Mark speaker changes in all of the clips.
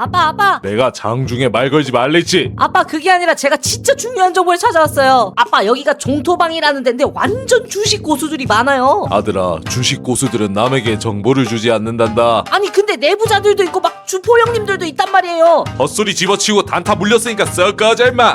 Speaker 1: 아빠.
Speaker 2: 내가 장중에 말 걸지 말랬지.
Speaker 1: 아빠, 그게 아니라 제가 진짜 중요한 정보를 찾아왔어요. 아빠, 여기가 종토방이라는 데인데 완전 주식 고수들이 많아요.
Speaker 2: 아들아, 주식 고수들은 남에게 정보를 주지 않는단다.
Speaker 1: 아니 근데 내부자들도 있고 막 주포 형님들도 있단 말이에요.
Speaker 2: 헛소리 집어치우고 단타 물렸으니까 썩 꺼져 임마.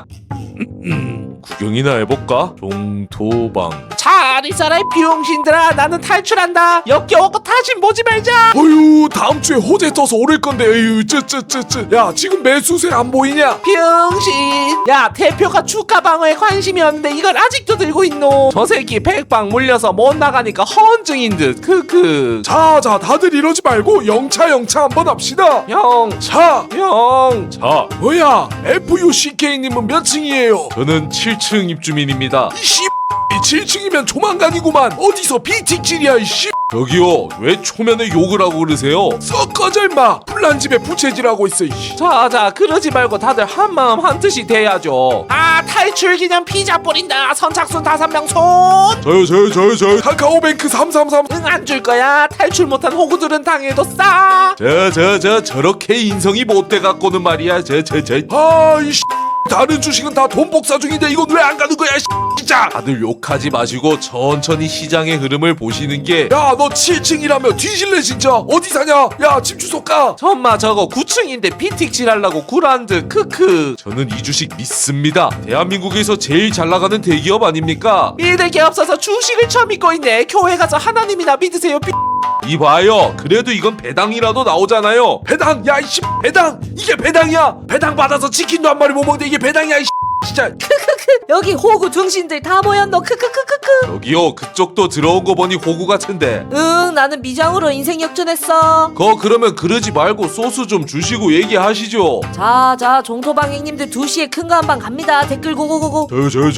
Speaker 2: 구경이나 해볼까? 종토방.
Speaker 3: 잘 있어라 이 비용신들아. 나는 탈출한다. 역겨웠고 다시 보지 말자.
Speaker 4: 어휴, 다음 주에 호재 떠서 오를 건데. 에휴, 야, 지금 매수세 안 보이냐?
Speaker 3: 병신. 야, 대표가 주가 방어에 관심이었는데 이걸 아직도 들고 있노. 저 새끼 백방 물려서 못 나가니까 허언증인 듯. 크크.
Speaker 4: 자, 다들 이러지 말고 영차 한번 합시다.
Speaker 3: 형.
Speaker 4: 자,
Speaker 2: 자,
Speaker 4: 뭐야? FUCK님은 몇 층이에요?
Speaker 2: 저는 7층 입주민입니다.
Speaker 4: 이씨, 7층이면 조만간이구만. 어디서 비틱질이야, 이씨.
Speaker 2: 저기요, 왜 초면에 욕을 하고 그러세요?
Speaker 4: 썩 꺼져 임마. 불난 집에 부채질하고 있어, 이씨.
Speaker 3: 자, 그러지 말고 다들 한마음 한뜻이 돼야죠. 아, 탈출 기념 피자 뿌린다. 선착순 5명 손.
Speaker 2: 저요.
Speaker 4: 카카오뱅크 333.
Speaker 3: 응, 안 줄 거야. 탈출 못한 호구들은 당해도 싸.
Speaker 2: 저렇게 인성이 못돼 갖고는 말이야.
Speaker 4: 아, 이씨. 다른 주식은 다 돈 복사 중인데 이건 왜 안 가는 거야, 이씨. 진짜.
Speaker 2: 다들 욕하지 마시고 천천히 시장의 흐름을 보시는 게.
Speaker 4: 야, 너 7층이라며 뒤질래 진짜. 어디 사냐? 야, 집 주소 까.
Speaker 3: 전마 저거 9층인데 비틱질 하려고 구란드. 크크.
Speaker 2: 저는 이 주식 믿습니다. 대한민국에서 제일 잘 나가는 대기업 아닙니까?
Speaker 3: 믿을 게 없어서 주식을 처음 믿고 있네. 교회 가서 하나님이나 믿으세요.
Speaker 2: 이봐요, 그래도 이건 배당이라도 나오잖아요.
Speaker 4: 배당. 야, 이씨. 배당. 이게 배당이야. 배당 받아서 치킨도 한 마리 못 먹는데 이게 배당이야, 이씨. 진짜.
Speaker 1: 여기 호구 등신들 다 모였노. 크크크크크.
Speaker 2: 여기요, 그쪽도 들어온 거 보니 호구 같은데.
Speaker 1: 응, 나는 미장으로 인생 역전했어.
Speaker 2: 그러면 그러지 말고 소스 좀 주시고 얘기하시죠.
Speaker 1: 자, 종토방 형님들 2시에 큰 거 한 방 갑니다. 댓글 고고고고.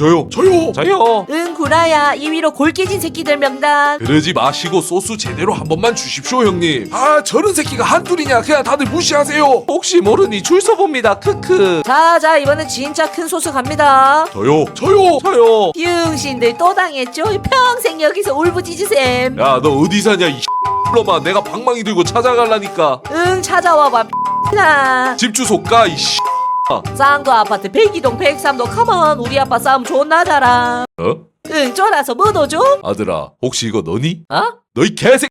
Speaker 2: 저요.
Speaker 1: 응, 구라야. 2위로 골 깨진 새끼들 명단.
Speaker 2: 그러지 마시고 소스 제대로 한 번만 주십시오, 형님.
Speaker 4: 아, 저런 새끼가 한둘이냐. 그냥 다들 무시하세요.
Speaker 3: 혹시 모르니 줄 서봅니다. 크크.
Speaker 1: 자, 이번엔 진짜 큰 소스 갑니다.
Speaker 2: 저요.
Speaker 3: 저요.
Speaker 1: 비응신들 또 당했죠? 평생 여기서 울부짖으셈.
Speaker 2: 야, 너 어디 사냐, 이 놈아. 내가 방망이 들고 찾아갈라니까.
Speaker 1: 응, 찾아와봐 나.
Speaker 2: 집 주소 까, 이 씨.
Speaker 1: 쌍도 아파트 102동 103도 컴온. 우리 아빠 싸움 존나 잘함.
Speaker 2: 어?
Speaker 1: 응, 쫄아서 뭐 넣어줘?
Speaker 2: 아들아, 혹시 이거 너니?
Speaker 1: 어?
Speaker 2: 너희 개새